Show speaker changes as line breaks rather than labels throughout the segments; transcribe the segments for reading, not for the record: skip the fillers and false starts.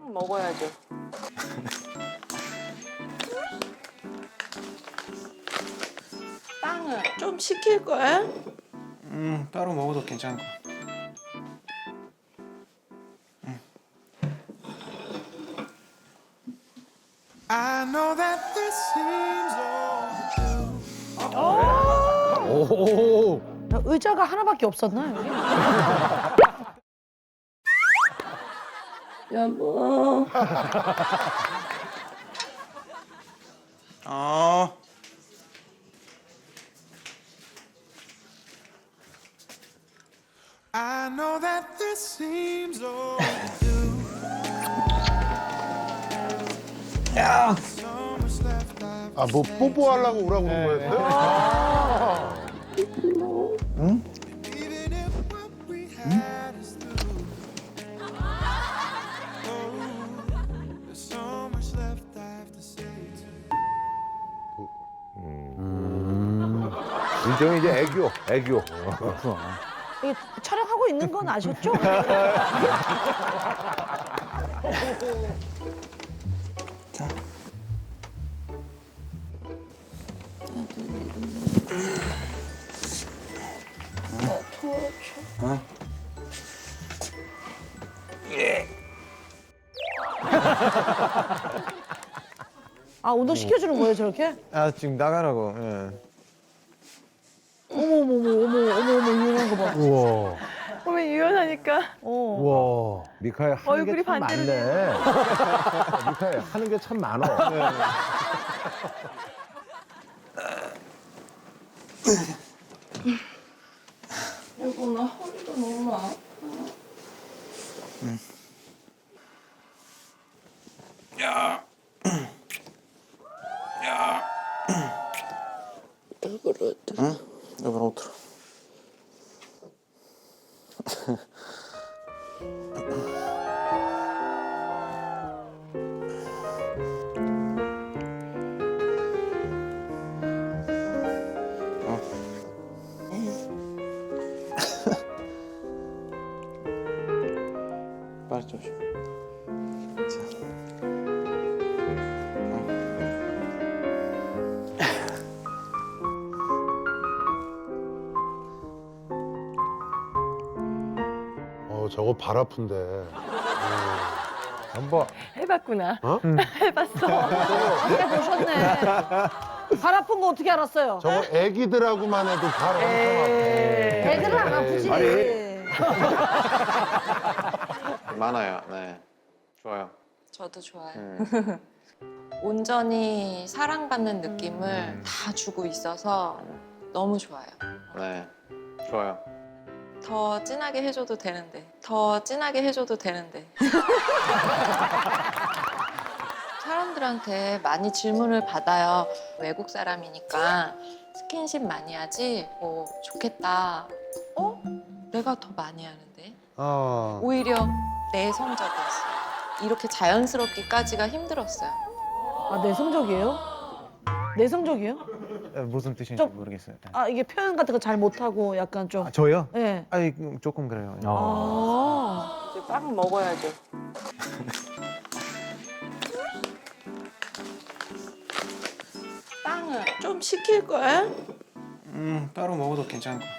빵 먹어야죠. 빵은 좀 시킬 거야?
따로 먹어도 괜찮을 거.
I know that this seems
오.
의자가 하나밖에 없었나 여기?
여보.
I know that this seems overdue. So much left I've
아, 뭐 뽀뽀하려고 오라고 그런 거였어요?
even if what we had is through. Oh, there's so much left I have to say to you.
일종의 이제 애교.
이게 촬영하고 있는 건 아셨죠? 아 운동 시켜주는 거예요 저렇게?
아 지금 나가라고. 예.
어머 유연한 거 봐.
우와.
어머 유연하니까.
우와. 미카엘 하는
얼굴이
게 참
반대로
많네. 미카엘 하는 게 참 많어.
여보 나 허리가 너무 아파. 왜 그러지?
응? 여보 옷으로. 빨리 좀.
저거 발 아픈데. 한번
해봤구나.
어?
해봤어.
해보셨네. 발 아픈 거 어떻게 알았어요?
저거 애기들하고만 해도 발 엄청 아파.
애들은 안 아프지.
많아요. 네. 좋아요.
저도 좋아요. 온전히 사랑받는 느낌을 다 주고 있어서 너무 좋아요.
네. 좋아요.
더 진하게 해줘도 되는데. 더 진하게 해줘도 되는데. 사람들한테 많이 질문을 받아요. 외국 사람이니까 스킨십 많이 하지? 뭐 좋겠다. 어? 내가 더 많이 하는데? 오히려 내성적이었어요. 이렇게 자연스럽기까지가 힘들었어요.
아 내성적이에요? 내성적이에요?
무슨 뜻인지
좀-
모르겠어요.
아 이게 표현 같은 거 잘 못하고 약간 좀.
저요?
예.
아니 조금 그래요.
아.
이제 빵 먹어야죠. 빵은 좀 시킬 거야?
따로 먹어도 괜찮을 거.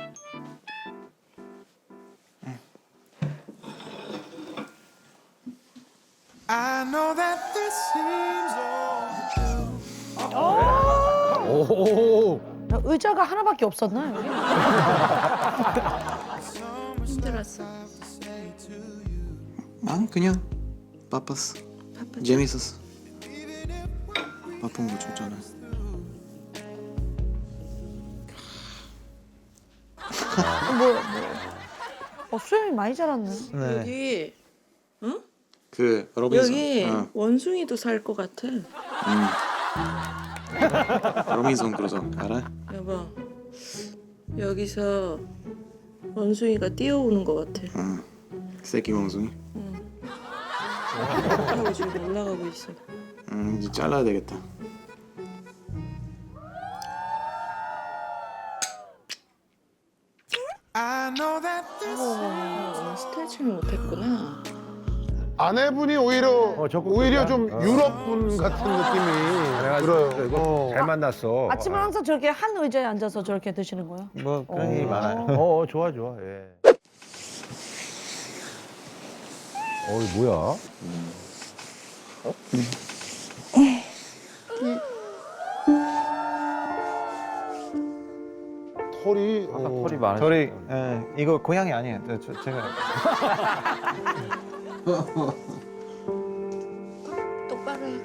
I know that this seems overdue.
오.
의자가 하나밖에 없었나 여기?
힘들었어.
난 그냥 바빴어. 재밌었어. 바쁜 거 좋잖아.
수염이 많이 자랐네.
네.
여기
그 로빈son.
여기
어.
원숭이도 살 것 같아.
로빈son 그래서 알아?
여보, 여기서 원숭이가 뛰어오는 것 같아.
새끼 원숭이.
하고 지금 올라가고 있어.
이제 잘라야 되겠다.
I know that this
오늘 스트레칭을 못했구나.
아내분이 오히려
적극적이야.
좀 유럽 분 같은 느낌이 들어요.
잘 만났어.
아침은 항상 저렇게 한 의자에 앉아서 저렇게 드시는 거예요?
뭐 그런 일이 많아요. 좋아 좋아. 예. 이거 뭐야?
털이
털이 많아.
저리 이거 고양이 아니에요. 제가
똑바로 해.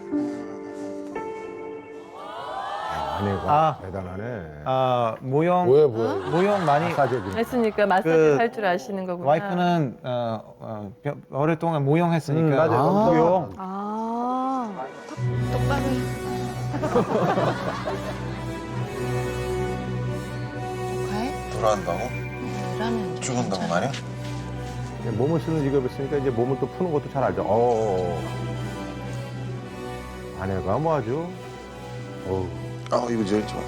아내가 대단하네.
모형
뭐야?
모형 많이
마사지해주는.
했으니까 마사지
그
할 줄 아시는 거구나.
와이프는 오랫동안 모형 했으니까
맞아. 모형.
아.
똑바로 해. 조카해?
돌아간다고?
라면
죽은다고 말이야?
몸을 쓰는 직업이었으니까 이제 몸을 또 푸는 것도 잘 알죠. 아내가 뭐 아주.
이거 제일 좋아.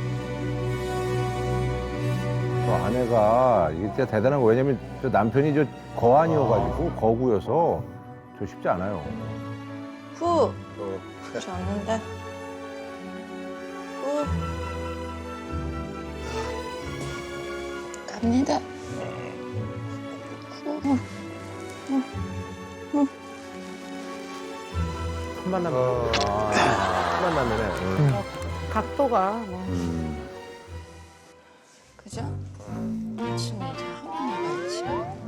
저 아내가 이게 진짜 대단한 거. 왜냐면 저 남편이 저 거안이어가지고 거구여서 저 쉽지 않아요.
후. 좋았는데. 후. 갑니다. 후.
첫 만나면. 첫 만나면에.
각도가 뭐.
그죠? 지금 이제 한번 해봐야지.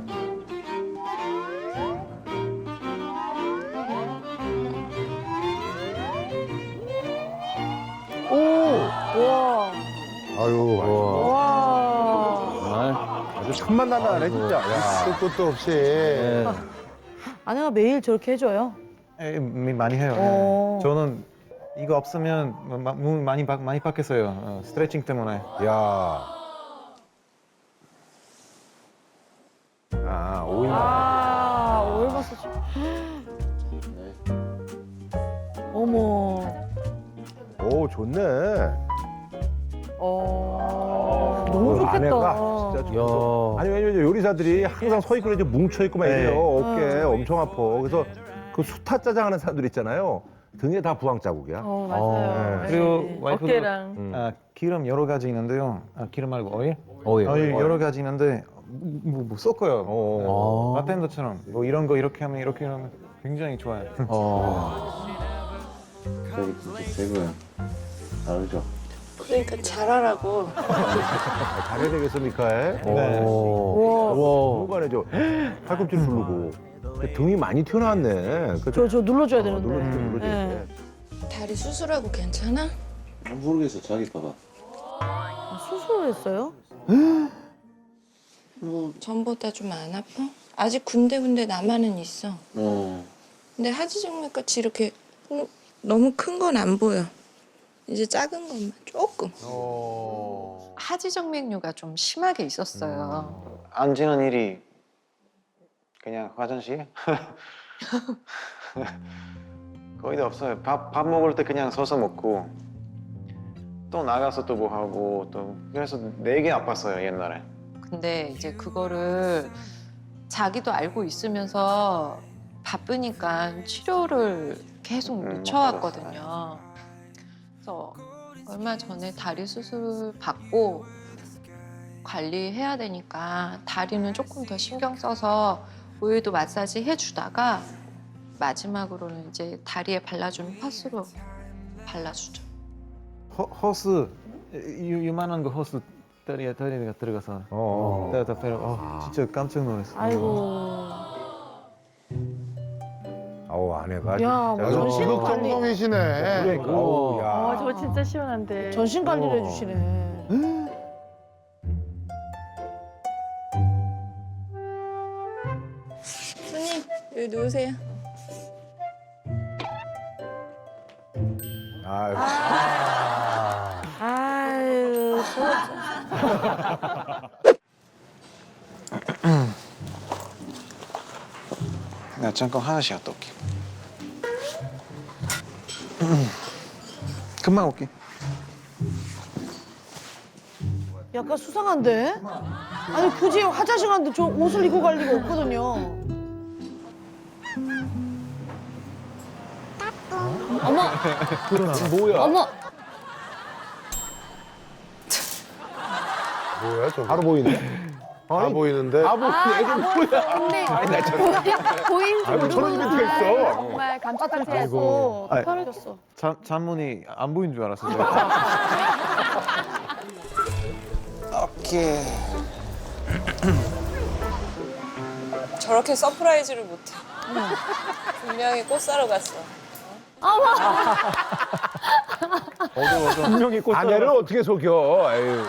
우와.
아유.
와.
아주 첫 만나면 진짜. 야.
끝도 없이.
아내가 매일 저렇게 해줘요?
많이 해요.
오.
저는 이거 없으면 몸 많이 바뀌었어요. 스트레칭 때문에.
야. 오일 마사지.
어머.
오, 좋네.
너무 좋겠다.
아내가 진짜 좋다. 아니, 왜냐면 요리사들이 항상 서 있고 이제 뭉쳐있고 막 이래요. 어깨 엄청 아파. 그래서 그 수타 짜장 하는 사람들 있잖아요. 등에 다 부항 자국이야.
맞아요.
네.
그리고 와이프도
어깨랑.
기름 여러 가지 있는데요. 기름 말고 오일?
오일.
여러 가지 있는데 뭐 섞어요. 바텐더처럼 뭐 이런 거 이렇게 하면 이렇게 하면 굉장히 좋아요.
저기 진짜 최고야. 다르죠?
그러니까 잘하라고.
잘해야 되겠어, 미카엘?
네.
중간에 저 팔꿈치를 누르고. 등이 많이 튀어나왔네.
저 눌러줘야 되는데.
눌러줄게.
네.
다리 수술하고 괜찮아?
모르겠어. 자기 봐봐.
수술을 했어요?
전보다 좀 안 아파? 아직 군데군데 남아는 있어. 근데 하지정맥같이 이렇게 너무 큰 건 안 보여. 이제 작은 것만 조금. 하지정맥류가 좀 심하게 있었어요.
앉는 일이 그냥 화장실? 거의 다 없어요. 밥 먹을 때 그냥 서서 먹고 또 나가서 또 뭐 하고 또 그래서 되게 아팠어요 옛날에. 근데 이제 그거를 자기도 알고 있으면서 바쁘니까 치료를 계속 미쳐왔거든요. 그래서 얼마 전에 다리 수술 받고 관리해야 되니까 다리는 조금 더 신경 써서 오일도 마사지 해주다가 마지막으로는 이제 다리에 발라주는 파스로 발라주죠. 허스 요만한 거 허스 다리가 들어가서 진짜 깜짝 놀랐어요.
아이고.
아내가.
야, 뭐 전신 관리.
적정성이시네.
그러니까. 야.
저거 진짜 시원한데.
전신 관리를 해주시네.
손님 여기 누우세요.
아유.
아유,
나 잠깐 하나씩 갔다 올게. 금방 올게.
약간 수상한데? 아니 굳이 화장실 가는데 저 옷을 입고 갈 리가 없거든요. 어머,
뭐야?
어머.
뭐야 저거?
바로 보이네.
다 보이는데.
아, 보이네. 애들 뭐야?
근데 보인지
아이고, 저런
모르구나.
이벤트가 있어.
정말 깜짝같이
아이고.
해서
아이.
떨어졌어.
잔문이 안 보인 줄 알았어요.
오케이.
저렇게 서프라이즈를 못해. 분명히 꽃 사러 갔어.
분명히 꽃
아내를 어떻게 속여? 아유.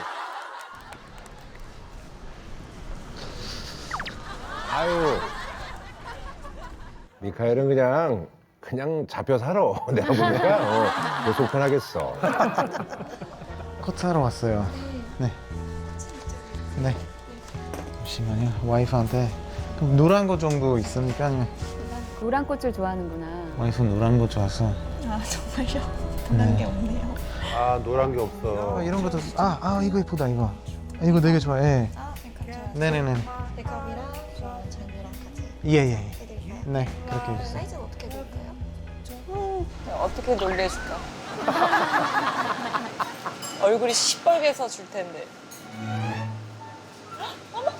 아유. 미카엘은 그냥 잡혀 살아. 내가 보니까 뭐 속편하겠어.
꽃 사러 왔어요. 네. 네. 잠시만요. 와이프한테 그럼 노란 거 정도 있습니까? 아니면
노란 꽃을 좋아하는구나.
와이프 노란 거 좋아서.
아 정말요? 노란 게 없네요.
아 노란 게 없어.
이런 것도 이거 예쁘다 이거. 이거 되게 좋아해.
아 그러니까
네네네.
백업이랑 잔이랑 같이
예예.
해드릴까요?
네 그렇게 해주세요.
사이즈는 어떻게 될까요?
어떻게 놀래줄까? 얼굴이 시뻘개서 줄 텐데. 어머!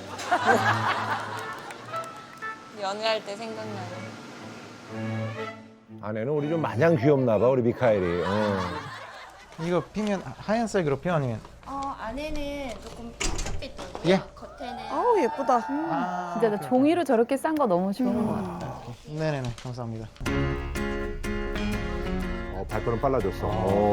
연애할 때 생각나는.
아내는 우리 좀 마냥 귀엽나 봐, 우리 미카엘이.
이거 피면 하얀색으로 피 아니면?
안에는 조금 핑크빛이고요.
예.
겉에는
아우 예쁘다.
진짜 나 종이로 저렇게 싼 거 너무 좋은 것 같아.
네네네 감사합니다.
발걸음 빨라졌어.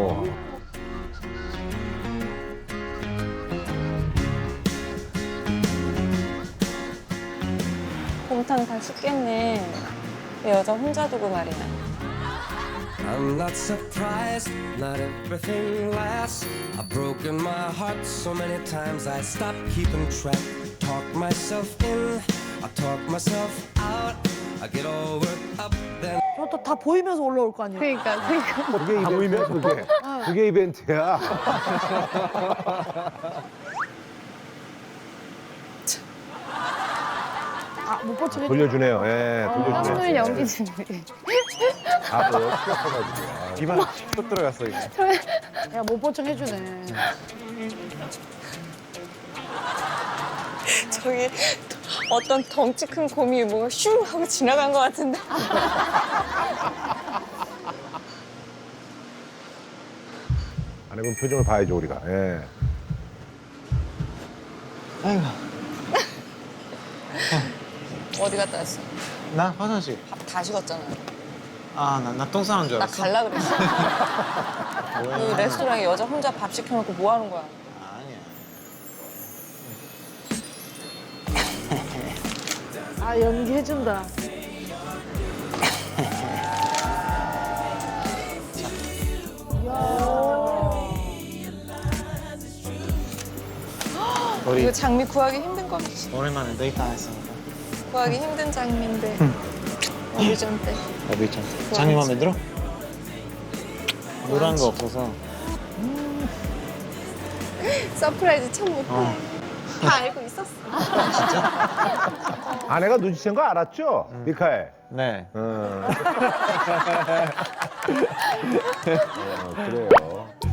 곰탕 다 식겠네. 내 여자 혼자 두고 말이야.
I'm not surprised, not everything lasts. I've broken my heart so many times I stopped keeping track. Talk myself in, I talk myself out. I get all worked up then.
저것도 다 보이면서 올라올 거 아니에요.
그러니까.
그게 이벤트야, 그게. 그게 이벤트야.
못 버티게.
돌려주네요. 예, 돌려주네요.
깜놀 연기 준비.
아, 뭐, 시작해가지고.
입안 쏙 들어갔어 이거.
야못 버티게 해주네.
저기 어떤 덩치 큰 곰이 뭐가 슝 하고 지나간 것 같은데.
아내분 표정을 봐야죠, 우리가. 예.
아이고
어디 갔다 왔어?
나 화장실.
밥 다 식었잖아.
나 똥 싸는 줄
나
알았어.
갈라 그랬어. 그 레스토랑에 여자 혼자 밥 시켜놓고 뭐 하는 거야?
아니야.
아 연기해준다.
우리
이거 장미 구하기 힘든 거지.
오랜만에 데이트 안 했으니까.
구하기 힘든 장미인데. 어리전 때.
나도 있잖아. 장미 마음에 들어? 노란 거 없어서.
서프라이즈 참 못해. 다 알고 있었어.
아내가 눈치챈 거 알았죠? 미카엘.
네.
그래요.